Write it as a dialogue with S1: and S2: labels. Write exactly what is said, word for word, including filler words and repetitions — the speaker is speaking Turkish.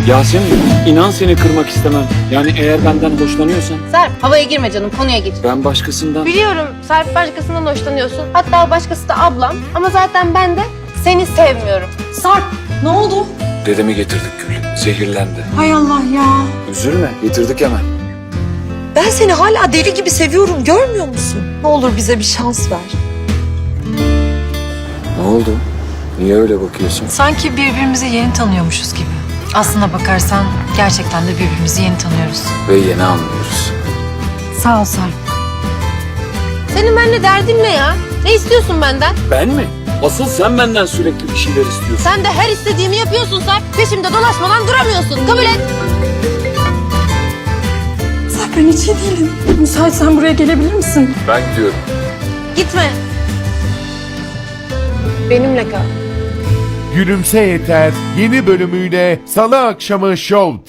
S1: Yasemin, inan seni kırmak istemem. Yani eğer benden hoşlanıyorsan
S2: Serp, havaya girme canım, konuya gir.
S1: ben başkasından...
S2: Biliyorum Serp, başkasından hoşlanıyorsun. Hatta başkası da ablam. Ama zaten ben de seni sevmiyorum.
S3: Sarp, ne oldu?
S1: Dedemi getirdik Gül. Zehirlendi.
S3: Hay Allah ya.
S1: Üzülme, getirdik hemen.
S4: Ben seni hala deli gibi seviyorum, görmüyor musun? Ne olur bize bir şans ver.
S1: Ne oldu? Niye öyle bakıyorsun?
S5: Sanki birbirimizi yeni tanıyormuşuz gibi. Aslına bakarsan gerçekten de birbirimizi yeni tanıyoruz.
S1: Ve yeni anlıyoruz.
S5: Sağ ol Sarp.
S2: Senin benimle derdin ne ya? Ne istiyorsun benden?
S1: Ben mi? Asıl sen benden sürekli bir şeyler istiyorsun.
S2: Sen de her istediğimi yapıyorsun Serp. Peşimde dolaşmadan duramıyorsun. Kabul et.
S3: Sarp, ben hiç iyi değilim. Müsaitsen buraya gelebilir misin?
S1: Ben gidiyorum.
S2: Gitme. Benimle kal.
S6: Gülümse Yeter yeni bölümüyle Salı akşamı Show